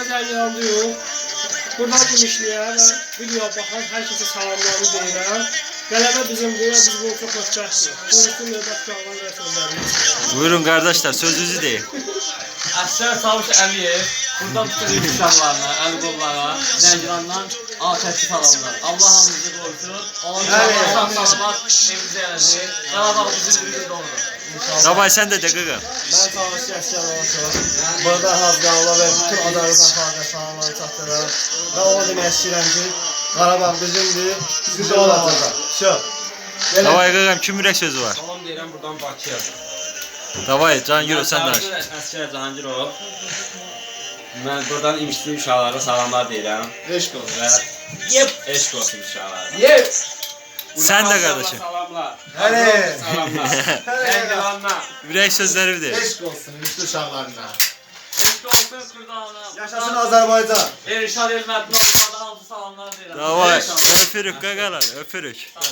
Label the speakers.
Speaker 1: Zəngilan'da yox. Buradan imişliyə və videoya baxan hər kəsə salamlarını deyirəm. Qələbə bizimdir, biz bunu çox xoşbəxtdir. Buyursun növbət qalman və sözlərimiz.
Speaker 2: Buyurun qardaşlar, sözünüzü deyin.
Speaker 3: Əsgər Çavuş Əliyev buradan bütün uşaqlarına, əli qollara, Zəngilandan atəşli salamlar. Allah hamımızı qorusun. Allah sağlamaq evimizə gələcək. Qarabağ bizim bir doğrudur.
Speaker 2: Davay sen de qıqım.
Speaker 4: Ben Çavuş Əskər olmuşum. Burada Hazqanla və bütün Azərbaycan xalqına salamlarını çatdırıram. Və onu demək istəyirəm ki, Qarabağ bizimdir, biz olacaq.
Speaker 2: Davay qıqım, kim ürək sözü var?
Speaker 3: Salam deyirəm buradan Bakıya.
Speaker 2: Davay Cahangirov sen de aç.
Speaker 3: Əsgər Cahangirov. Mən buradan imişli uşaqlara salamlar deyirəm.
Speaker 4: Eşq olsun.
Speaker 3: Və eşq olsun uşaqlara.
Speaker 4: Yep.
Speaker 2: Sen de kardeşim.
Speaker 3: Salamlar.
Speaker 4: Hələ.
Speaker 3: Salamlar. Zəngilandan.
Speaker 2: Ürək sözləri de.
Speaker 4: Eşq olsun üstü uşaqlarına.
Speaker 3: Eşq olsun Kurdanım.
Speaker 4: Yaşasın Azərbaycan.
Speaker 3: Erişad Elmətli olmadan hamısı salamlar deyirəm.
Speaker 2: Davay, öpürük qaqalar, öpürük.